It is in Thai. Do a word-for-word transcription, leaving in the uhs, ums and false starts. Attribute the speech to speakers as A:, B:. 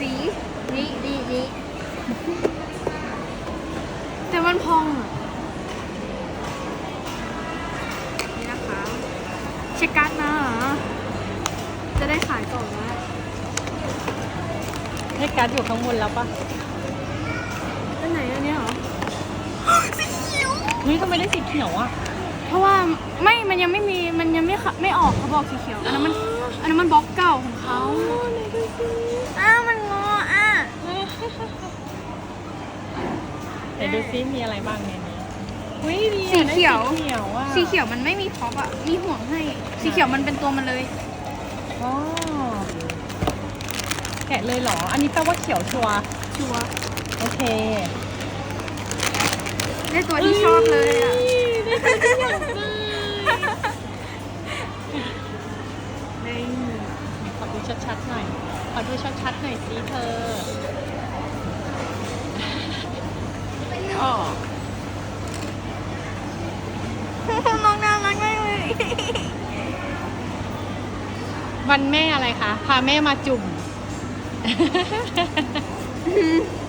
A: สีนี่นี่นี่แต่มันพองอ่ะนี่นะคะเช็คการ์ดนะจะได้ขายก่อนนะ
B: ให้การ์ดอยู่ข้างบนแล้วปะ
A: อันไหนอันนี้เหรอ สีเขียว
B: เฮ้ยทำไมได้สีเขียวอ่ะ
A: เพราะว่าไม่มันยังไม่มีมันยังไม่ไม่ออกเขาบอกสีเขียวอันนั้นมันอันนั้นมันบล็อกเก่าของเขาอ้าวมันงออ่ะ
B: ไหนดูซิมีอะไรบ้างในนี้เฮ้ยดี
A: สี
B: อะได้
A: เขียว
B: สีเขียวอ่ะ
A: สีเขียวมันไม่มีพ็อปอ่ะมีห่วงให้สีเขียวมันเป็นตัวมันเลย
B: อ๋อแกะเลยเหรอ อันนี้แปลว่าเขียวชัวร์
A: ชัวร์
B: โอเค
A: ได้ตัวที่ชอบเลยอ่ะ
B: ได้ตัวที่อยากได้นี่ขอดูชัดๆหน่อย ขอดูชัดๆหน่อยสิเธออ๋อ
A: น้องน่ารักมากเลย
B: วันแม่อะไรคะ พาแม่มาจุ่ม